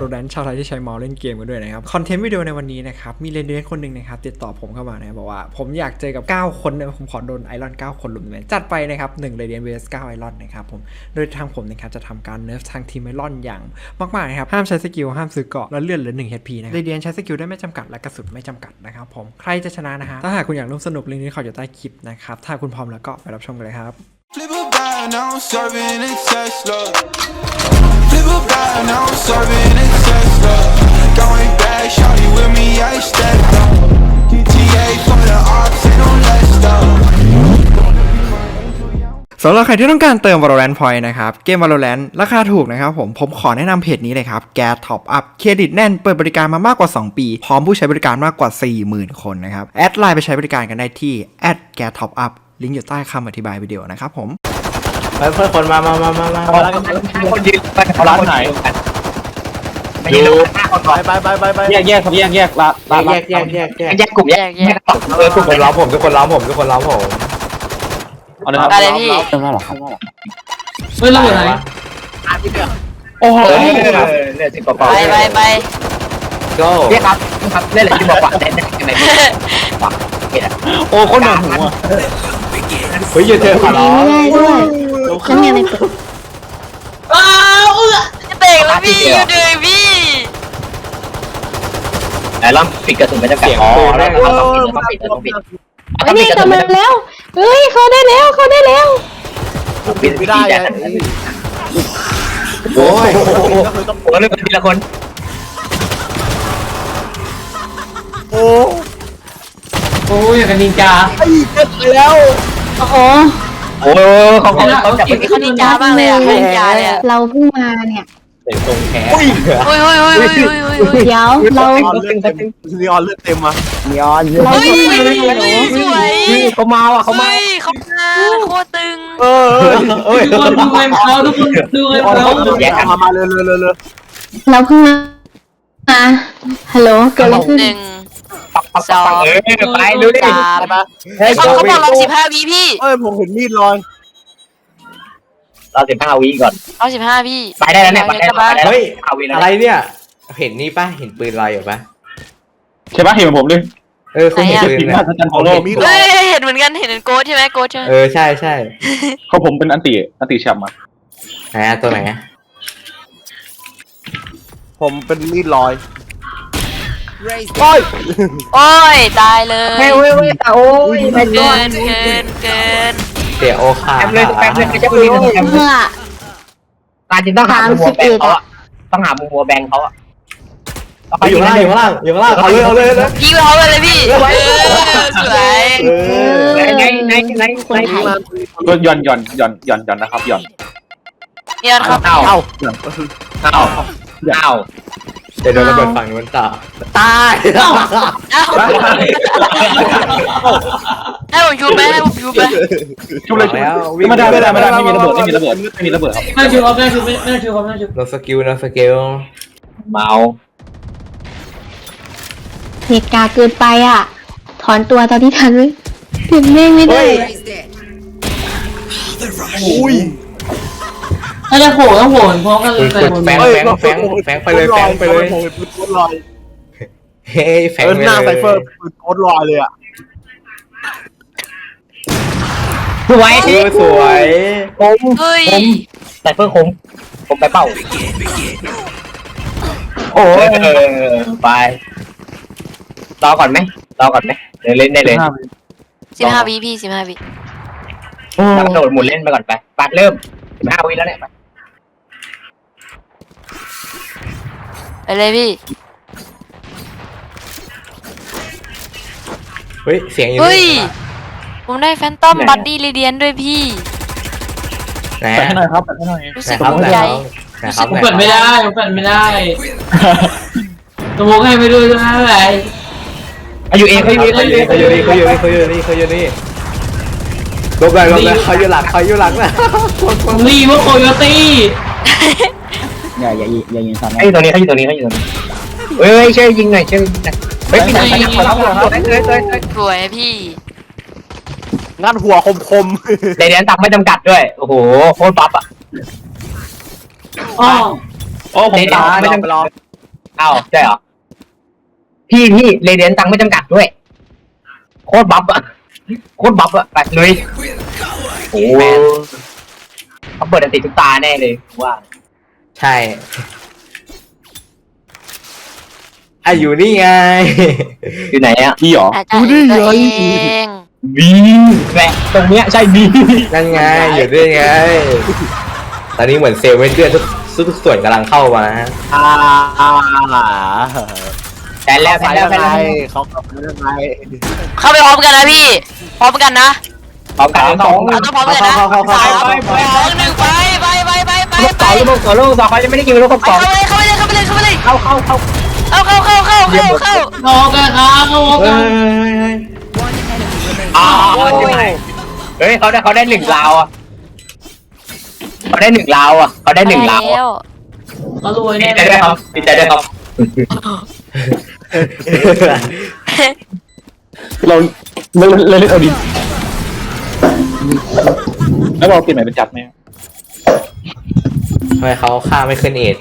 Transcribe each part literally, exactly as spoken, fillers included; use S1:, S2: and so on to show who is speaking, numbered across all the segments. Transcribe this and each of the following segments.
S1: Valorant ชาวไทยที่ใช้เมาส์เล่นเกมกันด้วยนะครับคอนเทนต์วิดีโอในวันนี้นะครับมีเรนเดอร์คนหนึ่งนะครับติดต่อผมเข้ามานะบอกว่าผมอยากเจอกับเก้าคนนะผมขอโดนไอรอนเก้าคนลุมเลยจัดไปนะครับหนึ่งเรเดียน vs เก้าไอรอนนะครับผมโดยทางผมนะครับจะทำการเนิร์ฟทางทีมไอรอนอย่างมากๆนะครับห้ามใช้สกิลห้ามซื้อเกาะและเลื่อนเหลือหนึ่ง เอช พี นะเรเดียนใช้สกิลได้ไม่จำกัดและกระสุนไม่จำกัดนะครับผมใครจะชนะนะฮะถ้าหากคุณอยากร่วมสนุกลิงก์นี้ขออยู่ใต้คลิปนะครับถ้าคุณพร้อมแล้วก็ไปรับชมกันเลยครับ
S2: Flip a bag, now I'm serving in Tesla. Flip a bag, now I'm serving in Tesla. Going back, shawty with me, I stepped up. G T A for the ops, ain't no less stuff.
S1: สำหรับใครที่ต้องการเติม Valorant Point นะครับเกม Valorant ราคาถูกนะครับผมผมขอแนะนำเพจนี้เลยครับ Gas Top Up เครดิตแน่นเปิดบริการมามากกว่าสองปีพร้อมผู้ใช้บริการมากกว่า สี่หมื่น คนนะครับแอดไลน์ไปใช้บริการกันได้ที่ แอท แกส ท็อปอัพ ลิงก์อยู่ใต้คำอธิบายวิดีโอนะครับผม
S3: เพื่อนเพื่อนคนมามามามามา
S4: คนยืนไปเขาร้านไหนไม่ยืนไปไปไปไปไป
S3: แยกแยกครับแยกแยกละแยกแยกแยกแยก
S4: แยกกลุ่มแยกแยก
S3: เออทุกคนล้อมผมทุกคนล้อมผมทุกคนล้อมผม
S4: ได้เลยพี่
S3: เริ่มแล้วหรอครับ
S4: เฮ้ยเราอยู่ไหนโอ้โหเนี่ยสิบกว่า
S5: ไปไปไป
S3: go
S4: พี่ครับครับเล่นอะไรที่บอกว่าเล่นยังไงปัก
S3: โอ้คนหนุ่มหัวเฮ้ยอย่าเจอขอร้อง
S5: ไม่ได้ด้วยฉันยังไม่เปิดอ้าวเออจะเตะแล้วพี่อยู่เลยพี่
S4: ไหนลองปิดกระสุนไปจะกัดอ๋อแล้วเราต้องปิดต้องปิดต้องปิด
S5: เฮ้ยนี่กำลังแล้วเฮ้ยเขาได้แล้วเขาได้แล้ว
S4: ปิดไม่ได้โอ้ยต้องหัวเลยทีละคน
S3: โอ้
S4: โอ้ยอย่างกับนินจา
S3: แล้ว
S5: โอ้โห
S4: โอ้เขาเขาเขาจับไป
S5: เขานินจาบ้างเลยอ่ะนินจาเลยอ่ะเราเพิ่งมาเนี่ย
S3: เต็มตรงแขน
S5: โอ้ยโอ้ยโอ้ยโอ้ยโอ้ยเดี๋ยวเรา
S3: นีออนเลือดเต็มมานีออน
S5: เราเพิ่งมาสวย
S3: เขามาว่ะเขามา
S5: เขามาโคตรตึง
S3: เออเอ้ย
S4: ทุกคนดูเงินเขาทุกคนดูเงินเขา
S3: แยกมามาเลยเลยเลยเลย
S5: เราเพิ่งมาฮัลโหลเกิดอะไรขึ้น
S4: หนึ่งสองไปดูดิ
S5: สามเขาเขาบอกเราสิบห้าวิพี่
S3: เอ้ยผมเห็นมีดลอย
S4: เราสิบห้าวิก่อน
S5: เอาสิบห้าพี่
S4: ไปได้แล้วเนี่ยไปได้แล้ว
S3: เฮ้ยอะไรเนี่ยเห็นนี่ป่ะเห็นปืนลอยอยู่ป่ะ
S4: ใช่ป่ะเห็นผมเลย
S3: เออคุณเห็นปืนเนี่ย
S5: เฮ้ยเห็นเหมือนกันเห็นโกดใช่ไหมโกดใช่ไหม
S3: เออใช่ใช่
S4: เขาผมเป็นอันติอันติแชมป์มา
S3: ไหนตัวไหน
S6: ผมเป็นมีดลอย
S5: โอ้ยโอ้ยตายเลย
S4: เฮ้ยเฮ้ยเฮ้ยโอ้ย
S5: เกินเกินเกิน
S3: เสียโอคา
S4: แป๊บเลยแป๊บเลยจะปืน
S5: เมื่อ
S4: ตาจินต้องหามุมวัวแบงเขาอะต้องหามุมวัวแบงเขาอะ
S3: อยู่ข้างล่างอยู่ข้างล่างอยู่ข้างล่างเอาเลยเอาเลยเลย
S5: พี่เขาเลยพี่สวย
S4: ไหนไหนไหนไหนก็ย่อนย่อนย่อนย่อนย่อนนะครับย่อน
S5: ย่อนครับ
S4: เอาเอาเอาเอา
S3: เดี๋ยวโดนระเบิดฝั่งนู้นต่อตาย
S5: ให้ผมชูไหมให้ผมชูไหม
S4: ชูเลยแล้วไม่ได้ไม่ได้ไม่ได้ไม่มีระเบิดไม่มีระเบิดไม่มีระเบิดครับไม่ชูครับไม่ชูไม่ไม่ชูครับไม่ชู
S3: โนสกิลโนสกิล
S4: เมา
S5: เหตุการณ์เกินไปอ่ะถอนตัวตอนที่ทันเลยถึงแม่งไม่ได้
S3: อุ้ย
S4: ถ้าจะโผล่ต้องโผล่พร้อมกันเลย
S3: แฝงแฝงแฝงแฝงไปเลยแฝงไปเลยเฮ้ยแฝงไปเลย
S6: หน้าไซเฟอร์ปืนโคตรลอยเลยอ่ะ
S4: สวย
S3: สวย
S4: ผมผมไซเฟอร์คมผมไปเป่าโอ้ไปรอก่อนไหมรอก่อนไหมเล่นได้เลย
S5: สิบห้าวิพี่สิบห้าวิ
S4: แล้วโดดหมุนเล่นไปก่อนไปปัดเริ่มสิบห้าวิแล้วเนี่ย
S5: ไปเลยพี่
S3: เฮ้ยเสียงอยู่
S5: เฮ้ยผมได้แฟนตอมบัดดี้เรเดียนด้วยพี่
S3: แปะให้หน่อยครับแปะให้หน่อยรู้สึกภูมิใจ
S4: ผมเปิดไม่ได้ผมเปิดไม่ได้ตัวมุกให้ไม่ดูด้วยนะอะไรอยู่เองเขาอยู่
S3: เขาอยู่เขาอยู่นี่เขาอยู่นี่เขาอยู่นี่เขาอยู่นี่ลบเลยลบเลยเขาอยู่หลังเขาอยู่หลังนะ
S4: รีว่าโคโยตี้
S6: อย่าอย่าอย่ายิงซ้ำนะ
S4: ไอ้ตัวนี้เขาอยู่ตัวนี้เขาอยู่ตัวนี้เฮ้ยช่วยยิงหน่อยช่วยยิงหน่อยเฮ้ยพี่หนังพี่หนังเขาเขาเขา
S5: สวยพี่
S6: งานหัวคมคม
S4: เดี๋ยวเดี๋ยวตักไม่จำกัดด้วยโอ้โหโคตรปั๊บอ่ะ
S6: อ๋อโอ้ผมตายไม่จำกัด
S3: อ้าวใช่เหรอพี่พี่เรเดียนตังค์ไม่จำกัดด้วยโคตรบัฟอะโคตรบัฟอะไปลุยโอ้เขาเปิดอันติดทุกตาแน่เลยว่าใช่อ่ะอยู่นี่ไงอยู่ไหนอ่ะพี่หรอ
S5: อาจจะเองตัวเอง
S3: บีแหละตรงเนี้ยใช่บีนั่นไงอยู่ด้วยไงตอนนี้เหมือนเซลล์ไม่เชื่อทุกทุกส่วนกำลังเข้ามาอ่าแต่แล้วแต่แล้วแต่แล้วเขาเข้าไปยังไง
S5: เข้าไปพร้อมกันนะพี่พร้อมกันนะ
S3: พร้อมกันสอง
S5: เอาต้องพร้อมกันนะ
S3: เข้าเข้าเข้า
S5: สาม
S3: เข้า
S5: สองหนึ่งไปไปไปไปไป
S3: ลูก
S5: ไป
S3: สองลูกสองลูกสองเขายังไม่ได้กินลูกสอง
S5: เข้าไปเลยเข้าไปเลยเข้าไปเลยเข้าไปเลย
S3: เข้าเข้าเข้า
S5: เข้าเข้าเข้าเข้าเข้าเข้า
S4: โอกันครับโอกัน
S3: อ๋อเฮ้ยเขาได้เขาได้หนึ่งลาวอ่ะเขาได้หนึ่งลาวอ่ะเขาได้หนึ่งลาว
S5: แล้ว
S4: ก็รวย
S3: ดี
S4: แน่
S3: ใจด้วยครับดีใจด้วยครับเราเราเราเล่นเอาดิแล้วเราเปลี่ยนใหม่เป็นจับไหมทำไมเขาฆ่าไม่ขึ้นเอ็ด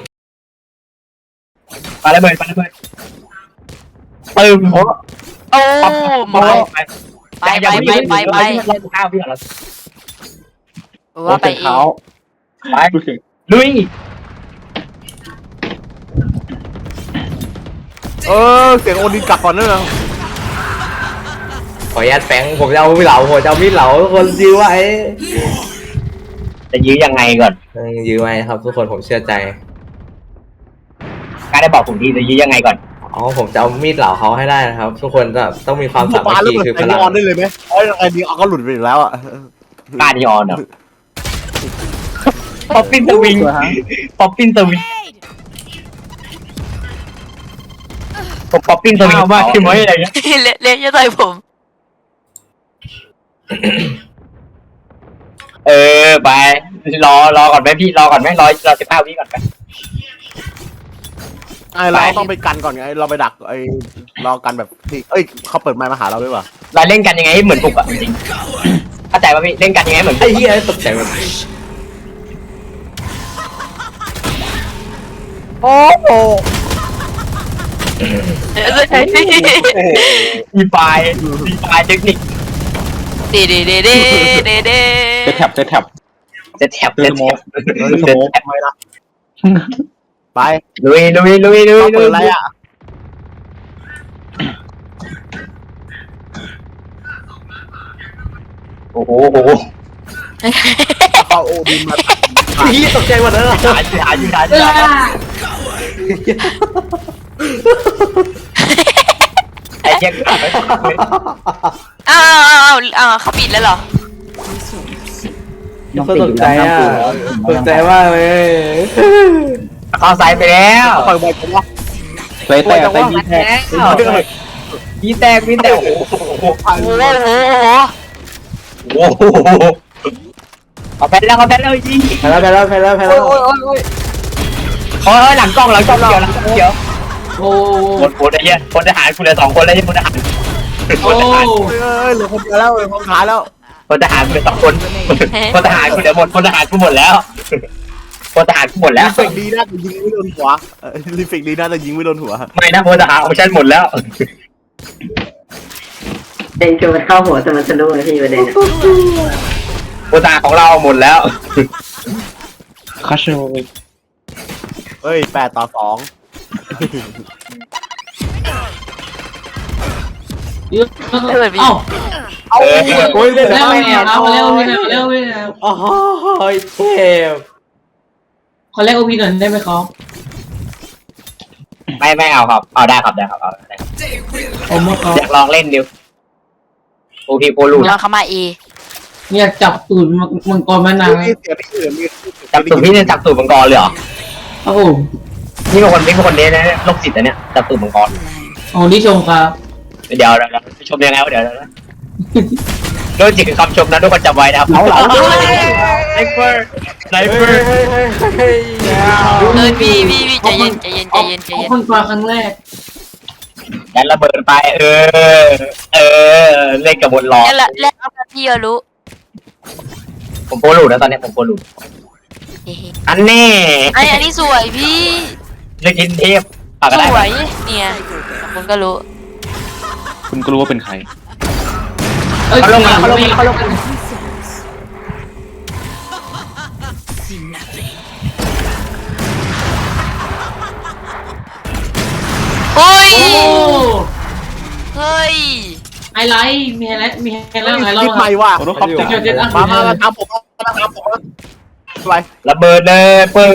S3: ปาระเบิดปาระเบิดตึมโอ้
S5: โอ้
S3: ไปไป
S5: ไปไปไปไปไป
S3: ข้าวพี่เหรอ
S5: ว่าไปเอง
S3: ไปลุย
S6: เออเสียงโอดินกลับก่อนเนอะ
S3: ขออนุญาตแฝงผมจะเอามีดเหลาผมจะเอามีดเหลาทุกคนยื้อไว้จะยื้อยังไงก่อนยื้อไว้ครับทุกคนผมเชื่อใจกล้าได้บอกผมทีจะยื้อยังไงก่อนอ๋อผมจะเอามีดเหลาเขาให้ได้นะครับทุกคนจะต้องมีความสามัคคีคือพลัง
S6: ออนได้เลยไหมไอ้ไอ้ดีออนก็หลุดไปอีกแล้วอ่ะ
S3: กล้าดีออนเหรอป๊อปปิ้นสวิงป๊อปปิ้นสวิงผมป๊อปปิ้นสวิงมากใช่ไหมอะไรเงี้ย
S5: เละเละจะต่อยผม
S3: เออไปรอรอก่อนไหมพี่รอก่อนไหมรอรอสิบห้าวิก่อนไหม
S6: ไอ้เราต้องไปกันก่อนไงเราไปดักไอ้รอกันแบบที่เอ้ยเขาเปิดไมค์มาหาเราด้วยว่ะ
S3: เราเล่นกันยังไงให้เหมือนปลุกอ่ะจริงเข้าใจป่ะพี่เล่นกันยังไงเหมือนไอ้เหี้ยตกใจแบบโอ้โหมีไฟมีไฟเทคนิค
S5: เดเดเดเดเดเด
S3: จะแท็บจะแท็บจะแท็บจะแท็บ
S6: เฮ้ยโมทำไมล่ะไป
S3: ลุยลุยลุยลุย
S6: เขา
S3: ลุ
S6: เปิ
S3: ย
S6: ดอะไรอ่ะ
S3: โอ้โหโอ้โห
S6: เขาโอดินมา
S3: พี่ตกใจหมดเลยหาหาอยู่หาอยู่ไอ้เหี้ย
S5: อ้าวอ้าวอ้าวเขาปิดแล้วเหรอ
S3: ตกใจอ่ะตกใจมากเลยเข้าสายไปแล้ว
S6: เปิดไมค์กันวะ
S3: ไปแตกไปมีแตกมีแตกมีแตกโอ้โห
S5: โอ้โหโอ้โห
S3: โอ้โหเอาแพ้แล้วเอาแพ้แล้วยิงแพ้แล้วแพ้แล้วแพ้แล้วแพ้แล้วโอ้ยโอ้ยโอ้ยโอ้ยหลังกล้องหลังกล้องเกี่ยวหลังกล้องเกี่ยว
S4: โอ้
S3: หมดหมดไอ้เหี้ยคนทหารกูเหลือสองคนแล้วที่คนทหารค
S4: โอ้
S3: นทหาร
S6: เอ้ยเหลือคนเดียวแล้วเหลือคนขาแล้ว
S3: คนทหารกูเหลือสองคนคนทหารกูเหลือหมดคนทหารกูหมดแล้วคนทหารกูหมดแล้ว
S6: รีเฟกดีน่าจะยิงไม่โดนหัวรีเฟกดีน่าจะยิงไม่โดนหัว
S3: ไม่นะคนทหารของฉันหมดแล้ว
S7: เองคือมันเข้าหัวแต่มันสะดุ้งเลยพี่ประเด็นอะ
S3: คนทหารของเราหมดแล้ว
S6: เอ้ยแปดต่อสอง
S4: เอ้า
S3: เอาโอ้ยได้
S4: แล้ว
S3: แล้
S4: แมวเอาแล้วแล้วแล้ว
S3: โอ้ยเทพ
S4: ขอแลกโอพีหน่อยได้ไหมครับ
S3: ไม่ไม่เอาครับเอาได้ครับได้ครับเอาได้
S4: ผมว่าเขา
S3: อยากลองเล่นดิวโอเคโปรลู
S5: ลองเข้ามาเอ
S4: อยากจับตูดมังกรมานาน
S6: มีเสียงที่อื่นมี
S3: จับตูดพี่เนี่ยจับตูดมังกรเลยเหรอ
S4: โอ้โห
S3: นี่เป็นคนนี่เป็นคนเนี้ยนะโรคจิตนะเนี่ยจับตูดมังกร
S4: โอ้ที่ชมครับ
S3: เดี๋ยวเดี๋ยวชมยังไงวะเดี๋ยวนะโรคจิตคือคำชมนะทุกคนจำไว้นะครับเอาเหรอไนเปอร์ไนเปอร์
S5: เฮ้ยพี่พี่พี่ใจเย็นใจเย็นใจเย็นใจเย็น
S4: คนกว่าครั้งแรก
S3: ยันระเบิดไปเออเออเล่นกับบนล้อ
S5: แล้วแล้วพี่ก็รู้
S3: ผมโปรลูนะตอนนี้ผมโปรลูอันนี้
S5: ไออันนี้สวยพี่
S3: เล่นกินเทพปากก็
S5: ส
S3: ได้
S5: วยเนี่ยคุณก็รู้
S8: คุณก็รู้ว่าเป็นใคร
S4: เอ้ย
S3: เขาลงมาเขาลงมาเขาลงมา
S5: เฮ้ย
S4: โอ้
S5: เฮ้ย
S4: ไฮไลท์มีไฮไลท์มีไฮไลท์ไฮไล
S6: คิด
S4: ท์
S6: ใหม่ว่ะ
S8: ขอโทษครับ
S4: เจ็ดเจ็ดอ่ะ
S6: มามามาทำผมมาทำผมไป
S3: ระเบิดเลยปึ้ง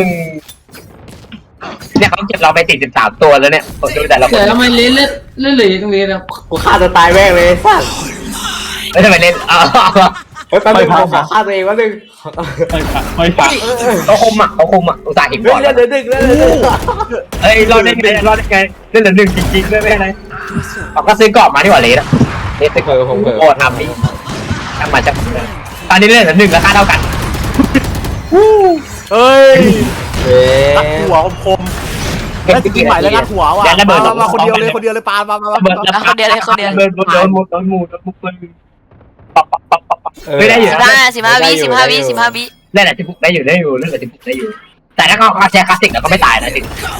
S3: เนี่ยเขาเก็บเราไปติดสิบสามตัวแล้วเนี่ยผมดูแต่ละค
S4: เกิ
S3: น
S4: ดทำไมเล่นเล่นเล่นเหลยตรงนี้นะ
S1: กูฆ่าตัวตายแม่งเลยสัส
S3: ไม่ทำไมเล่นอ้าว
S1: เฮ้ยแป๊บนึงผมขอฆ่าตัวเองแป๊บนึง
S8: ไม่ผ่านไม่ผ่าน
S3: เขาคุมอ่ะเขาคุมอ่ะอุตส่าห์เห็น
S1: เฮ้
S3: ก่
S1: ย
S3: อน
S1: เลือดเหลือหนึ่งเลือดเหลือหนึ่ง
S3: เฮ้ยรอดได้ไงรอดได้ไงเล่นเหลือหนึ่งจริงๆด้วยไม่เป็นไรเราก็ซื้อกรอบมาที่หว่าเลสอะเลสซื้อ
S1: เออผมเออ
S3: โอ้ทำนี่ทำมาจากตอนนี้เล่นเหลือหนึ่งราคาเท่ากัน
S6: เฮ้ย
S1: เอ๊ะ
S6: ตัดหัวคมแล้วจริงใหม่แล้วงัดหัวว่ะ
S3: ยันระเบิด
S6: มามาคนเดียวเลยคนเดียวเลยปามามามา
S3: ระเบิดระเบิดโดนโดนหมดโดนหมดโดนหมดปืนปักปักปักปักปักไม่ได้อยู่
S5: สิบห้าสิบห้าวิสิบห้าวิสิบห้าวิ
S3: เล่นอะไรที่พุกได้อยู่ได้อยู่เล่นอะไรที่พุกได้อยู่แต่ถ้าเขาแชร์คลาสสิกแล้วก็ไม่ตายนะจริง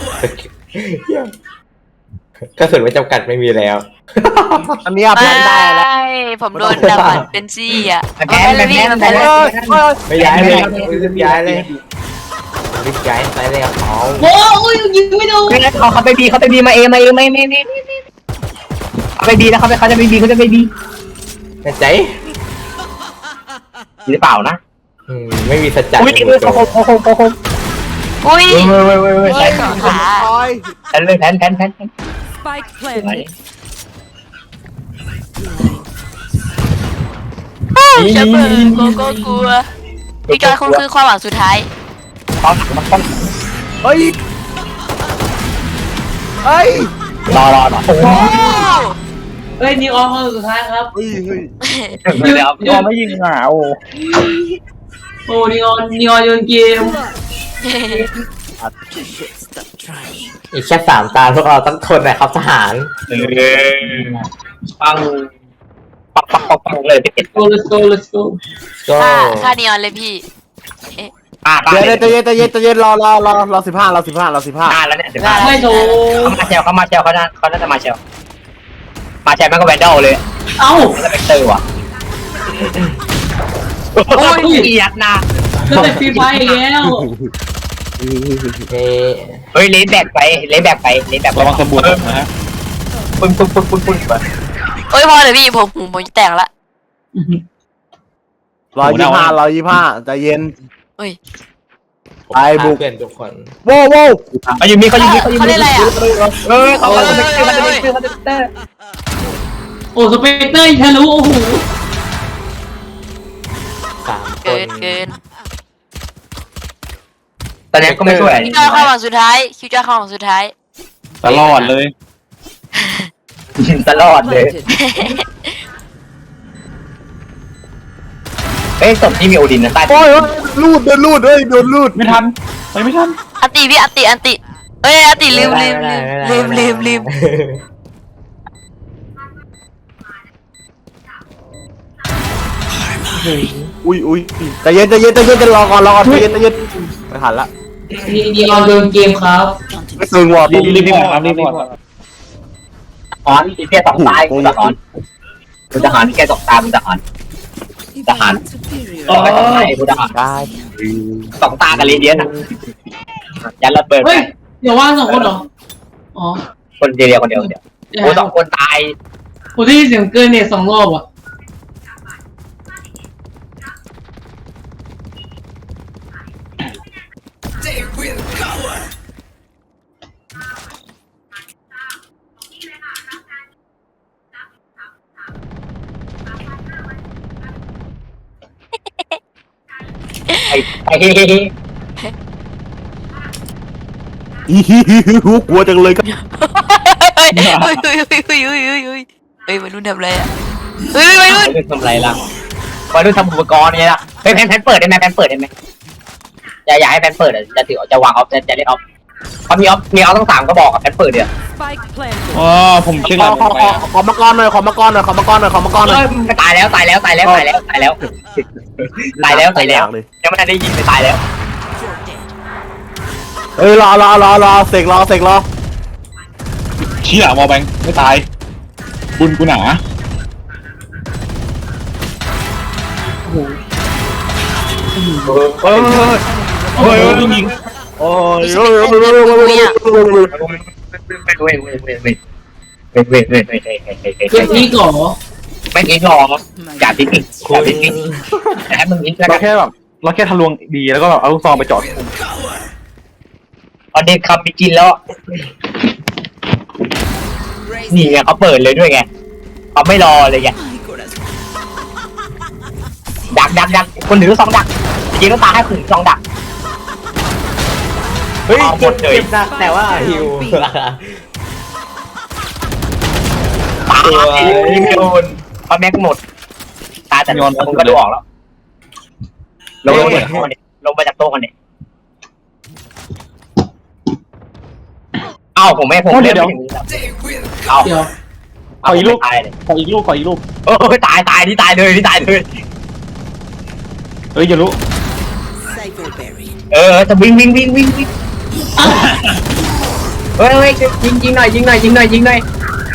S1: กระสุนไม่จำกัดไม่มีแล้ว
S6: อันนี้เพื่อนได้แล้ว
S5: ไม่ผมโดนดับเป็นซี่อ่ะ
S3: แพ้แพ้
S5: พี่
S3: แพ้
S5: มัน
S3: แพ้
S5: แพ้
S3: เล
S5: เลย ย
S1: ไม่ย้ายเลยรีบย้ายเลยรีบย้ายไปเลยครับเขา
S4: โอ้ยยิงไม่โดน
S3: เขาเขาไปบีเขาไปบีมาเอมาเอไม่ไม่ไม่เขาไปบีแล้วเขาไปเขาจะไปบีเขาจะไปบี
S1: แน่ใจ
S3: หรือเปล่านะ
S1: อืมไม่มีสัจจะ
S3: อุ้ยเขาคงเขาคงเขาคง
S5: อุ้ย
S3: เว้ยเว้ยเว้ยเว้ย
S5: เฮ้ยขา
S6: โอ้ย
S3: แทนเลยแทนแทนแทน
S9: Spike planted.
S5: จะเปิดโกโก้กลัวพี่จอยคุณคือความหวังสุดท้าย
S3: ตอนหลังมันต้อง
S6: เฮ้ยเฮ้ย
S3: รอรอรอโอ้
S5: โอ้
S4: เฮ้ยนิวออนคนสุดท้ายครับ
S6: เฮ้ยเฮ้ย
S3: ยเดี๋ยวรอไม่ยิงอ่ะโอ้
S4: โอ้นิวออนนิวออนโยนเกม
S1: อีกแค่สามตาพวกเราต้องทนนะครับทหาร
S3: เออปังปักปักปักปักเลยไปเก็บ
S4: โก let's go let's go
S1: ก็
S5: ค่าค่านีออนเลยพี่
S3: ป้าป้า
S6: เดี๋ยวเดี๋ยวใจเย็นใจเย็นใจเย็นรอรอรอรอสิบห้ารอสิบห้ารอสิบห้า
S3: ป้าแล้วเนี่ยเดี๋ยวป้า
S4: ไม่โถ
S3: เขามาเชลเขามาเชลเขาน่าเขาน่าจะมาเชลมาเชลแม่งก็แวนดอลเลย
S4: เอ้า
S3: แล้วเป็นเตอร์ว่ะโอ้ยเกียดนะ
S4: แล้วแต่ฟรีไฟอีกแล้ว
S1: เอ๊ะ
S3: เฮ้ยเลนแบกไปเลนแบกไปเลนแบกไประ
S8: วังสบู่นะฮะ
S3: ปึ้งปึ้งปึ้งปึ้งปึ้งไป
S5: โอ้ยพอเลยพี่ผมผมผมจะแตกละ
S6: รอยี่ห้ารอยี่ห้าใจเย็น
S5: เฮ้ย
S1: ผม
S6: ไอ้บุก
S1: เพื่อนทุกคน
S6: โว้วโว้ว
S3: เขาอยู่มีเขาอยู่มีเขาอยู่
S5: เขา
S3: มี
S5: เล่นอะไรอ่ะ
S3: เออเขาเขาเป็นเตอร์เขาเป็นเตอร์เขาเป็นเตอร์
S4: โอ้สเปกเตอร์ทะลุโอ้โห
S1: สามค
S5: เกิ
S1: น
S5: นเกิน
S3: ตอนนี้ก็ไม่ช่วย
S5: คิวจอยความหวังสุดท้ายคิวจอยความหวังสุดท้าย
S8: ตลอดเลย
S3: ตลอดเลย
S9: Planted.
S3: เอ้ยศพที่มีโอดินนะใต้
S6: โอ้ยลูดโดนลูดเฮ้ยโดนลูด
S8: ไม่ทันไปไม่ทัน
S5: อันติพี่อันติอันติเฮ้ยอันติลืมลืมลืมลืมลืมลืม
S6: อุ้ยอุ้ยใจเย็นใจเย็นใจเย็นจะรอก่อนรอก่อนใจเย็นใจเย็นไม่ทันละ
S4: นิวออนโยนเกมครับ
S6: ไม่ซึงว่ะ
S8: รีบรีบรีบครับรีบรีบ
S3: ถอนอีแค่สองตายกูจะถอนกูจะถอนแค่สองตากูจะถอนทหารต่อไปสองตากูจะถอน
S6: ได้
S3: สองตากับเรเดียนอ่ะยันระเบิด
S4: เฮ้ยเดี๋ยวว่างสองคนเหรออ๋อ
S3: คนเดียวคนเดียวคนเดียวโอ้สองคนตาย
S4: ผมได้ยินเสียงเกินเนี่ยสองรอบอ่ะ
S3: ไอ้ไอ้เฮ้เฮ้เฮ้
S6: อีฮิฮิฮิฮูกลัวจังเลยครับ
S5: เฮ้ยเฮ้ยเฮ้ยเฮ้ยเฮ้ยเฮ้ยเฮ้ยเฮ้ยเฮ้ยวัยรุ่นทำอะไรอ่ะเฮ้ยวัยรุ่น
S3: วัยรุ่นทำไรล่ะวัยรุ่นทำอุปกรณ์เนี่ยล่ะเฮ้ยแพนแพนเปิดได้ไหมแพนเปิดได้ไหมอย่าอย่าให้แพนเปิดอ่ะจะถือจะวางออฟจะจะเล่นออฟเขามีออฟมีออฟต้องสามก็บอกกับแพนเปิดเดี๋ยว
S9: Spike planted.
S8: อ๋อผมเช็ค
S6: ข
S8: ห
S6: อ
S8: ลัง
S6: ขอ
S8: ไป
S6: ขอ
S8: อ่ะ
S6: ขอมากรหน่อยขอมากรหน่อยขอมากรหน่อยขอมากรหน่อย
S3: เอ้ยตายแล้วตายแล้วตายแล้วตายแล้วตายแล้วตายแล้วตายแล้วยังไม่ได้ยินไปตายแล้ว
S6: เฮ้ยรอรอรอรอเสกรอเสกรอ
S8: เชี่ยวอลแบงไม่ตายบุญกูหนา
S3: เฮ้ยเฮ้ย
S8: เฮ้ยยิง
S6: โอ้ย
S5: เว้ย
S3: เว้ยเว้ยเว้ยเว้ยเว้ยเว้ยเว้ยเว้ยเว้ยเว้ยเว้ยเว้ย
S4: เก็บที่ก่อ
S3: ไม่ทิ้งหรอกอย่าทิ้งอย่าทิ้งแต่ให้มึงทิ้งแล้ว
S8: เรา
S3: กัน
S8: แค่แบบเราแค่ทะลวงดีแล้วก็แบบเอาลูกซองไปจอด
S3: เอาเด็กขับไปกินแล้วนี่ไงเขาเปิดเลยด้วยไงเขาไม่รอเลยไงดักดักดักคนถือซองดักจริงๆต้องตาให้คนถือซองดัก
S6: เฮ้ย
S3: เอาหมดเลย
S6: เจ็บนะแต่ว่าฮิว
S3: ตายยิงไม่โดนเพราะแม็กหมดตายแต่ผมก็ดูออกแล้วลงลงมาจากโต๊ะกันดิลงมาจากโต๊ะกันดิเอ้าผมไม่ผมเดี๋ยวเอ้า
S4: เดี๋ยว
S3: เอาอีกลูกตายเลย
S8: ขออีกลูกขออีกลูก
S3: เออตายตายนี่ตายเลยนี่ตายเลย
S8: เฮ้ยอย่ารู้
S3: เออจะวิ่งวิ่งวิ่งวิ่งวิ่งเฮ้ยเฮ้ยยิงยิงหน่อยยิงหน่อยยิงหน่อยยิงหน่อย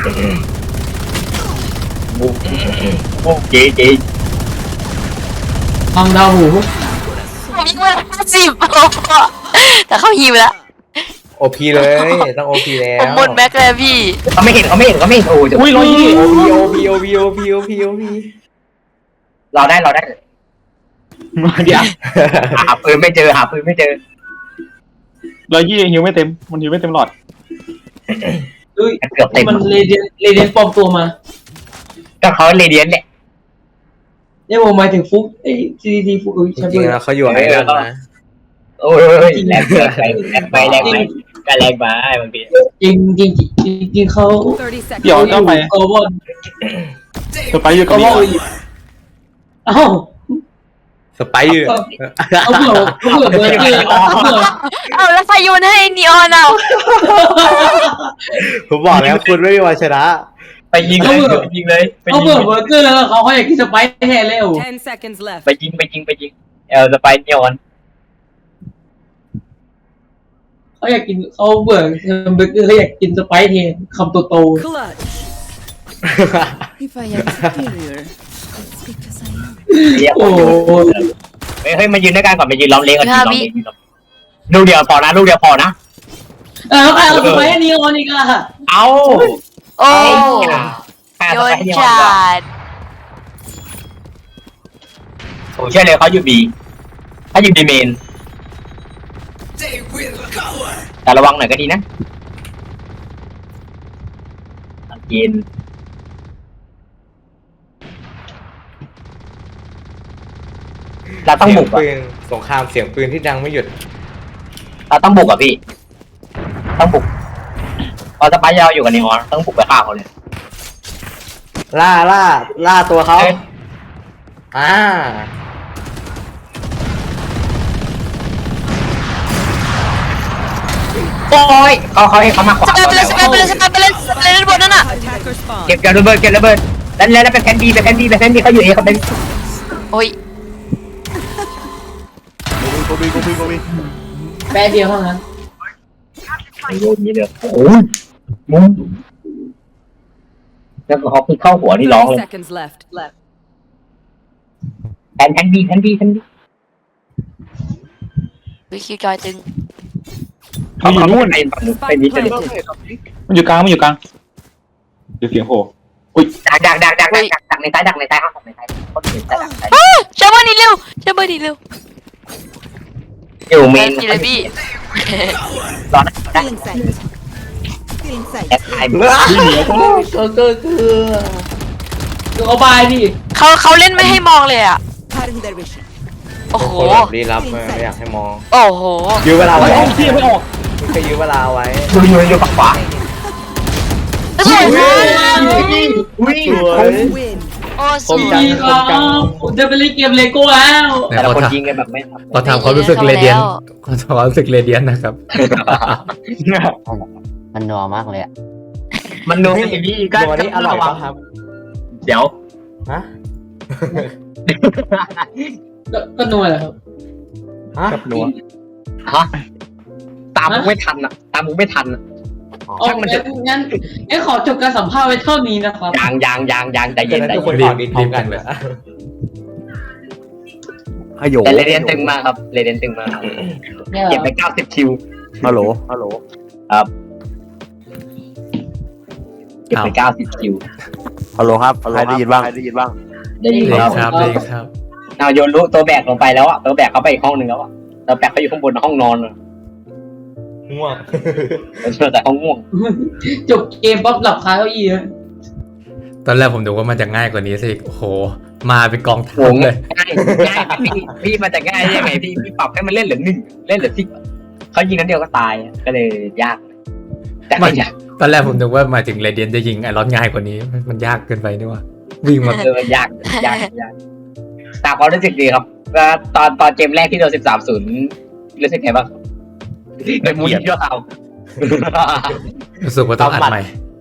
S3: โอ้เจ๊เจ๊
S4: ทางดาวหู
S5: ผมยิงมาห้าสิบแต่เขาหิวแล้ว
S6: โอพีเลยต้องโอพีแล้
S5: ผม
S6: ว
S5: หมดแม็กเลยพี่
S3: เขาไม่เห็นเขาไม่เห็นเขาไม่เห็นโอ้ย
S8: อุ้ยร้อยยี่
S6: โอพีโอพีโอพีโอพีโอพีโอพี
S3: เราได้เราได้
S8: เดี๋ยว
S3: หาปืนไม่เจอหาปืนไม่เจอ
S8: ร้อยยี่ฮิวไม่เต็มมันฮิวไม่เต็มหลอด
S4: เฮ้ย
S3: เกือบเต็ม
S4: มันเรเดียนเรเดียนปลอมตัวมา
S3: ก็เขาเรเดียนแหละ
S4: เนี่ยผมหมายถึงฟุกไอ้ซีดีทีฟุกเอ้ย
S6: จ
S4: ใช่
S6: ริง
S4: ไห
S6: ๆ
S4: ม
S6: แล้วเขาอยู่ไอแลนด์นะ
S3: โอ้ยแรงแรงไปแรงไปก็แรงไปบางที
S4: จริงจริงจริงจริงเขา
S9: thirty seconds.
S8: เดี๋ยวก็ไป
S4: เขาบอล
S8: จะไปอยู่กับ
S4: เขาบ
S8: นี่
S4: อลเอ้า
S6: สไปร์อยู่
S4: เอาเผื่อเอาเผื่อเบอร์เกอร์เอาเผื่อ
S5: เอาแล้วใครโยนให้นีออนเอา
S6: ผมบอกแล้วคุณไม่มีวันชนะ
S3: ไปยิงเลยยิงเลยไป
S4: เอา
S3: ยิ
S4: เผื่
S3: ง
S4: อเบอร์เกอร์แล้วเขาเขาอยากกินสไปซ์แท้แล้ว
S9: Ten seconds left.
S3: ไปยิงไปยิงไปยิงเอลสไปเนียน
S4: เขาอยากกินเขาเบื่อเบอร์เกอร์เขาอยากกินสไปซ์แทนคำโตโต
S9: Clutch.
S10: If I am superior, it's because I am.
S3: เรียก
S4: โอ้
S3: คนอยู่
S4: โห
S3: เฮ้ยเฮ้ยมายืนด้วยกันก่อนมายืนล้อมเลี้ยงกันยืนล้อมเลี้ยงลูกเดียวพอนะลูกเดียวพอนะ
S4: เออใครเอาสไปซ์นีออนอีกอะ
S3: เอา
S5: โอ้
S3: ใคร
S5: โย
S3: เอา
S5: น
S3: ไปให้
S5: จัด
S3: ผมเชื่อเลยเขาอยู่บีเขาอยู่บีเมนแต่ระวังหน่อยก็ดีนะเย็นเราต้องบุก
S6: ปื
S3: อ่ะ
S6: นสงครามเสียงปืนที่ดังไม่หยุด
S3: เราต้องบุกอ่ะพี่ต้องบุกเราจะไปยาวอยู่กันนี่ฮะต้องบุกไปฆ่าเขาเลย
S6: ล่าล่าล่าตัวเขา
S3: เอ้ย
S6: อ่า
S3: โอ้ยเขาเขาให้เขามาขวา
S5: สกายไปเลยสกายไปเลยสกายไปเลยสกายไปเลยบนนั่นน่ะ
S9: Attacker spawn.
S3: เก็บเก็บระเบิดเก็บระเบิดแล้วแล้วไปแพนดีไปแพนดีไปแพนดีเขาอยู่เอเขาเป็น
S5: โอ้ย
S6: โกบีโกบีโกบี
S4: แป๊บเดียวเท่านั้น
S3: โอ้ยนี่เด้อโอ้ยมุ้งแล้วพอพี่เข้าหัวนี่ร้อง
S9: thirty
S3: เลย
S9: seconds left. Left.
S3: แพนแพนดีแพนดีแพนดี
S5: วิคิวจอยตึง
S3: เขาอยู่นู่นไอ้ฝั่งนู้นไป
S9: Spike
S3: นี่จะ
S9: planted.
S8: มันอยู่กลางมันอยู่กลางเดี๋ยวเสียงโผล่อุ้ย
S3: ดักดักดักดักดักดักในซ้ายดักในซ้ายห้องในซ้ายคนอื่นดักในซ้าย
S5: อ้าเชเบอร์นี่เร็วเชเบอร์นี่เร็ว
S3: อยู่เม
S5: แม
S3: น
S5: นพี่เลยพี่
S3: ร้อนนะ
S10: Feeling sight. Feeling sight.
S3: แอปไทม์
S6: ก็ก็คือ
S4: คือเขาบายดิ
S5: เขาเขาเล่นไม่ให้มองเลยอ่ะ
S10: Cutting their vision.
S5: โอ้โห
S6: คนแบบลี้ลับไม่อยากให้มอง
S5: โอ้โห
S6: ยื้อเวลา
S8: ไม่
S6: ไว้
S8: ออกที่ไม่ออก
S6: เคยยื้อเวลาไว้
S3: อยู่อยู่อยู่ฝั่งขวา
S5: สวยมาก
S3: อุ้ย
S6: สวย
S10: Win.
S5: โอ้
S6: ผม
S5: ส
S6: จั
S5: วย
S6: ง
S4: ดีครับผมจะไปเล่นเกมเลโก้แล้ว
S3: แต่ละคนยิงกันแบบไม่
S1: ขอถามความรู้สึกเรเดียนขอถามความรู้สึกเรเดียนนะครับ
S7: มันนัวมากเลยอ่ะ
S3: มันดูให้ดีก็
S6: ตัวนี้อร่อยป่ะครับ
S3: เดี๋ยว
S6: ฮะ
S4: ก็ก็นัวแหละครับ
S6: ฮะกับหนัว
S3: ฮะตามมึงไม่ทันอ่ะตามมึงไม่ทันอ่ะ
S4: โอเคงั้นงั้นขอจบการสัมภาษณ์ไว้เท่านี้นะครับ
S3: ยางยางยางยางใจเย็นใจ
S1: ทุกคน
S3: เย็น
S1: ตอบดีพร้อมกันเลย
S6: ฮัลโหล
S3: แต่เรเดียนตึงมากครับเรเดียนตึงมากครับเก็บไปเก้าสิบคิว
S6: ฮัลโหลฮัลโหล
S3: ครับเก็บไปเก้าสิบคิว
S6: ฮัลโหลครับใครได้ยินบ้างใครได้ยินบ้าง
S3: ได้ยิน
S1: ดี
S3: ครับ
S1: ครับดีครับ
S3: เอาโยนรู้ตัวแบกลงไปแล้วอ่ะตัวแบกเขาไปอีกห้องหนึ่งแล้วอ่ะตัวแบกเขาอยู่ข้างบนห้องนอนอะ
S1: ง่วง
S3: แต่เขาง่วง
S4: จบเกมป๊อปหลับคาเก้าอี้เลย
S1: ตอนแรกผมดูว่ามันจะง่ายกว่านี้สิโอ้โหมาเป็นกองทั
S3: โห
S1: พเลย
S3: ง่ายง่ายพี่พี่มันจะง่ายได้ยังไงพี่พี่ปรับให้มันเล่นเหลือหนึ่งเล่นเหลือสิบเขายิงนัดเดียวก็ตายก็เลยยากแต่
S1: มั
S3: ไม่
S1: น
S3: ยาก
S1: ตอนแรกผมนึกว่ามาถึงเรเดียนจะยิงไอรอนง่ายกว่านี้มันมันยากเกินไปนี่ว่าวิ่งมา
S3: เออยากยากยากแต่ความรู้สึกดีครับก็ตอนตอนเกมแรกที่โดนสิบสามศูนย์รู้สึกไงบ้างเป็นมูลที่เรา
S1: รู้สึกว่าต้องอัดใหม่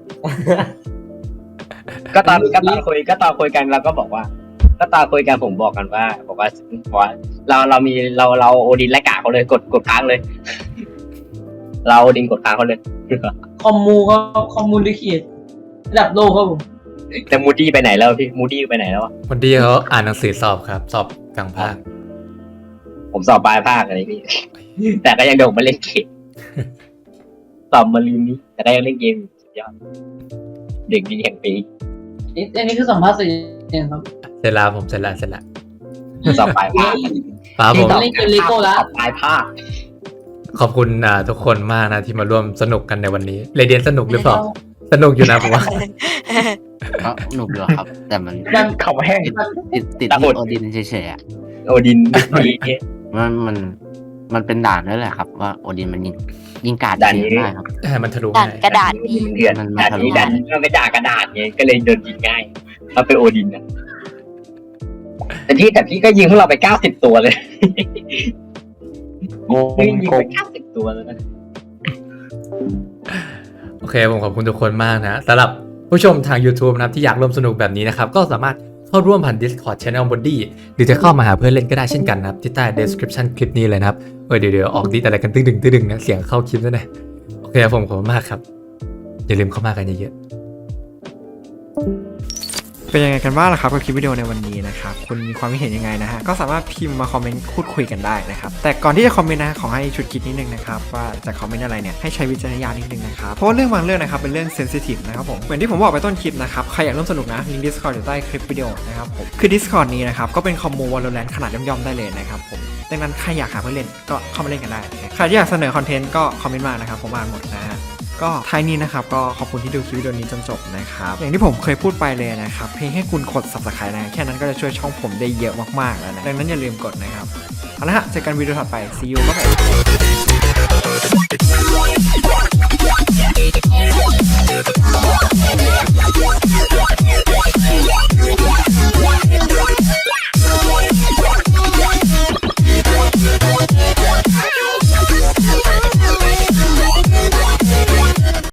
S3: ก็ตอนก็ตอนคุยก็ตอนคุยกันเราก็บอกว่า ก็ตอนคุยกันผมบอกกันว่าบอกว่าบอกว่าเราเรามีเราเราโอดินและกะเขาเลยกดกดค้างเลย เราโอดินกดค้างเขาเลย
S4: คอมมูครับคอมมูนิเคตระดับโลกครับผม
S3: แต่มูดี้ไปไหนแล้วพี่มูดี้ไปไหนแล้วอะ
S1: วันดีเขาอ่านหนังสือสอบครับ สอบกลางภาค
S3: ผมสอบปลายภาคอะไรพี่ แต่ก็ยังโดดมาเล่นเกมสอบมาลืมนี้แต่ก็ยังเล่นเกมอยู่สุดยอดเด็กดีแห่งปี
S4: อันนี้คือสัมภาษณ์เสร็จยังครับ
S1: เสร็จแล้วผมเสร็จแล้วเสร็จแล้ว
S3: สอบปลายภาค
S1: ป้าผม
S4: เล่นเกมเลโก้แล้ว
S3: สอบปลายภาค
S1: ขอบคุณอ่าทุกคนมากนะที่มาร่วมสนุกกันในวันนี้เรเดียนสนุกหรือเปล่าสนุกอยู่นะผมว่า
S11: ก็หนุกอยู่ครับ แต่มัน
S4: มัน
S3: เขาแห้ง
S11: ติดติด
S3: ตะ
S11: ที่
S3: กด
S11: โอดินเฉยๆอ่ะ
S3: โอดินดี
S11: มันมันมันเป็นด่านนั่นแหละครับ ว่าโอดินมันยิงยิงกาด
S3: ด่าน
S11: ยิ
S3: นี้
S11: งได้ครับ
S1: ให้มันทะลุ
S5: ด่าน
S1: ง่าย
S5: กระดาษพี่
S3: เดือน
S11: มัน
S3: ด่าน
S11: ทะลุ
S3: นี้ด่านนี้มันไม่ด่ากระดาษไงก็เลยโดนยิงง่ายเราเป็นโอดินนะแต่พี่แต่พี่ก็ยิงพวกเราไปเก้าสิบตัวเลย
S6: โกง
S3: พี่ยิง
S6: โก
S3: ไป
S6: ง
S3: เก้าสิบตัวเลยนะ
S1: โอเคผมขอบคุณทุกคนมากนะสำหรับผู้ชมทาง YouTube นะครับที่อยากร่วมสนุกแบบนี้นะครับก็สามารถเข้าร่วมผ่าน Discord Channel Body หรือจะเข้ามาหาเพื่อนเล่นก็ได้เช่นกันนะครับที่ใต้ description คลิปนี้เลยนะครับเออเดี๋ยวเดี๋ยวออกดิสอะไรกันตึ้งดึงตึ้งดึงนะเสียงเข้าคลิปด้วยนะโอเคผมขอบคุณมากครับอย่าลืมเข้ามากันเยอะๆเป็นยังไงกันบ้างล่ะครับกับคลิปวิดีโอในวันนี้นะครับคุณมีความคิดเห็นยังไงนะฮะก็สามารถพิมพ์มาคอมเมนต์พูดคุยกันได้นะครับแต่ก่อนที่จะคอมเมนต์นะขอให้ชุดคิดนิดนึงนะครับว่าจะคอมเมนต์อะไรเนี่ยให้ใช้วิจารณญาณนิดนึงนะครับเพราะว่าเรื่องบางเรื่องนะครับเป็นเรื่องเซนซิทีฟนะครับผมเหมือนที่ผมบอกไปต้นคลิปนะครับใครอยากร่วมสนุกนะลิงก์ Discord อยู่ใต้คลิปวิดีโอนะครับผมคือ Discord นี้นะครับก็เป็นคอมมู Valorant ขนาดย่อมๆได้เลยนะครับผมดังนั้นใครอยากหาเพื่อนเล่นก็เข้ามาเล่นกันได้ใครที่อยากเสนอคอนเทนต์ก็คอมเมนต์มานะครับผมอ่านหมดนะฮะก็ท้ายนี้นะครับก็ขอบคุณที่ดูคลิปวิดีโอนี้จนจบนะครับอย่างที่ผมเคยพูดไปเลยนะครับเพียงแค่คุณกด Subscribe นะแค่นั้นก็จะช่วยช่องผมได้เยอะมากๆแล้วนะดังนั้นอย่าลืมกดนะครับเอาละฮะเจอกันวิดีโอถัดไป see you ครับผม